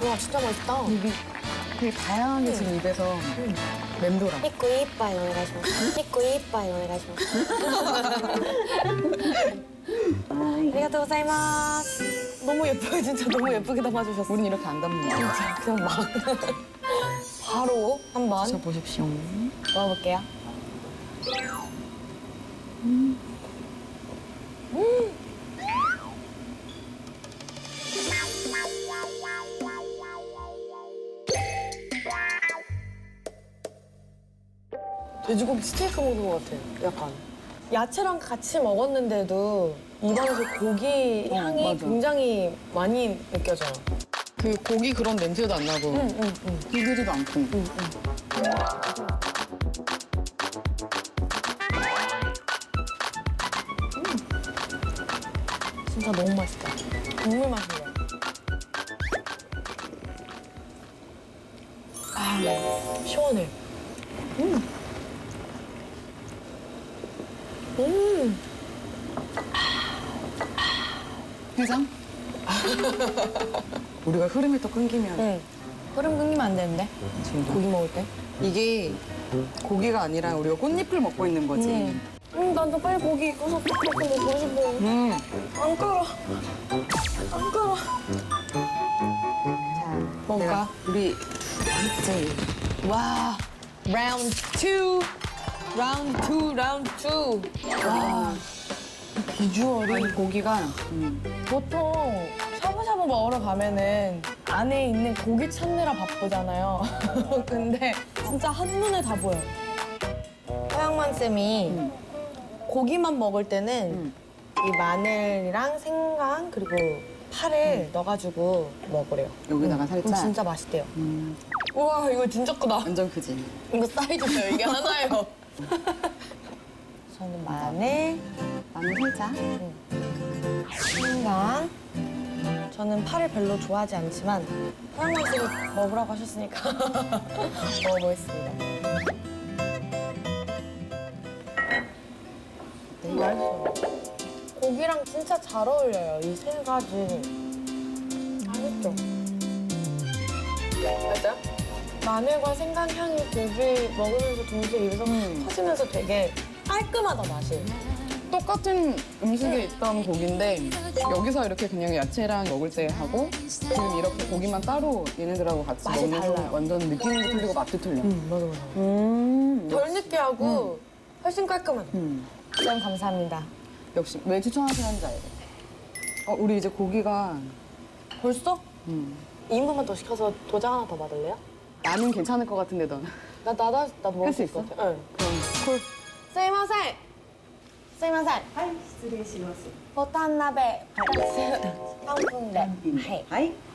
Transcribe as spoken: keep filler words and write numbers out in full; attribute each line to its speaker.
Speaker 1: 와, 진짜 맛있다.
Speaker 2: 이게 되게 다양하게 지금 입에서
Speaker 1: 음.
Speaker 2: 맴돌아.
Speaker 1: 이코 이빠이 오네가시마스. 이코 이빠이 오네가시마스. 아리가또 고자이마스. 너무 예뻐요, 진짜 너무 예쁘게 담아주셨어.
Speaker 2: 우린 이렇게 안 담는다.
Speaker 1: 진짜 그냥 막 바로 한번
Speaker 2: 드셔보십시오.
Speaker 1: 먹어볼게요. 돼지고기 스테이크 먹는 것 같아요, 약간. 야채랑 같이 먹었는데도 입안에서 고기
Speaker 2: 어,
Speaker 1: 향이
Speaker 2: 맞아.
Speaker 1: 굉장히 많이 느껴져요.
Speaker 2: 그 고기 그런 냄새도 안 나고
Speaker 1: 응, 응, 응.
Speaker 2: 비리지도 않고.
Speaker 1: 응, 응. 진짜 너무 맛있다. 국물 맛이에요. 아, 시원해. 음. 음.
Speaker 2: 해장? 우리가 흐름이 또 끊기면
Speaker 1: 응. 흐름 끊기면 안 되는데?
Speaker 2: 지금
Speaker 1: 고기 먹을 때?
Speaker 2: 이게 고기가 아니라 우리가 꽃잎을 먹고 있는 거지.
Speaker 1: 응. 응, 나도 빨리 고기 익어서 톡톡 먹고 싶어.
Speaker 2: 음.
Speaker 1: 안 끓어. 안 끓어.
Speaker 2: 자,
Speaker 1: 먹을까?
Speaker 2: 내가 우리 맞지?
Speaker 1: 와, 라운드 투. 라운드 투, 라운드 투. 와, 이 비주얼이.
Speaker 2: 아니 고기가 음.
Speaker 1: 보통 샤브샤브 먹으러 가면은 안에 있는 고기 찾느라 바쁘잖아요. 근데 진짜 한눈에 다 보여요. 서양만 쌤이
Speaker 2: 음.
Speaker 1: 고기만 먹을 때는
Speaker 2: 음.
Speaker 1: 이 마늘이랑 생강 그리고 파를 넣어가지고 먹으래요.
Speaker 2: 여기다가
Speaker 1: 음,
Speaker 2: 살짝.
Speaker 1: 진짜 맛있대요.
Speaker 2: 음.
Speaker 1: 우와, 이거 진짜 크다.
Speaker 2: 완전 크지.
Speaker 1: 이거 사이즈예요. 이게 하나예요. 저는 마늘,
Speaker 2: 마늘 살짝.
Speaker 1: 생강. 저는 파를 별로 좋아하지 않지만 서양만 쌤이 먹으라고 하셨으니까 먹어보겠습니다. 네, 맛있어요. 고기랑 진짜 잘 어울려요, 이 세 가지. 맛있죠? 맞아요? 마늘과 생강 향이 고기 먹으면서 동시에 입에서
Speaker 2: 음.
Speaker 1: 퍼지면서 되게 깔끔하다, 맛이.
Speaker 2: 똑같은 음식에 있던 고기인데 여기서 이렇게 그냥 야채랑 먹을 때 하고 지금 이렇게 고기만 따로 얘네들하고 같이
Speaker 1: 맛이
Speaker 2: 먹는 건
Speaker 1: 달라요.
Speaker 2: 완전 느낌도 틀리고 맛도 틀려.
Speaker 1: 음, 맞아, 맞아.
Speaker 2: 음.
Speaker 1: 덜 느끼하고 훨씬 깔끔하다.
Speaker 2: 음.
Speaker 1: 쌤, 감사합니다.
Speaker 2: 역시 왜 추천하시는지 알고. 어, 우리 이제 고기가
Speaker 1: 벌써?
Speaker 2: 음.
Speaker 1: 이 인분만 더 시켜서 도장 하나 더 받을래요?
Speaker 2: 나는 괜찮을 것 같은데 넌.
Speaker 1: 나, 나, 나, 나도 먹을
Speaker 2: 할
Speaker 1: 수
Speaker 2: 수
Speaker 1: 있을 것
Speaker 2: 있어?
Speaker 1: 같아. 응.
Speaker 2: 그럼 콜.
Speaker 1: すいません。すいません。
Speaker 3: はい、失礼します。
Speaker 1: ボタン鍋ふたつさんぷんで。はい。
Speaker 3: はい。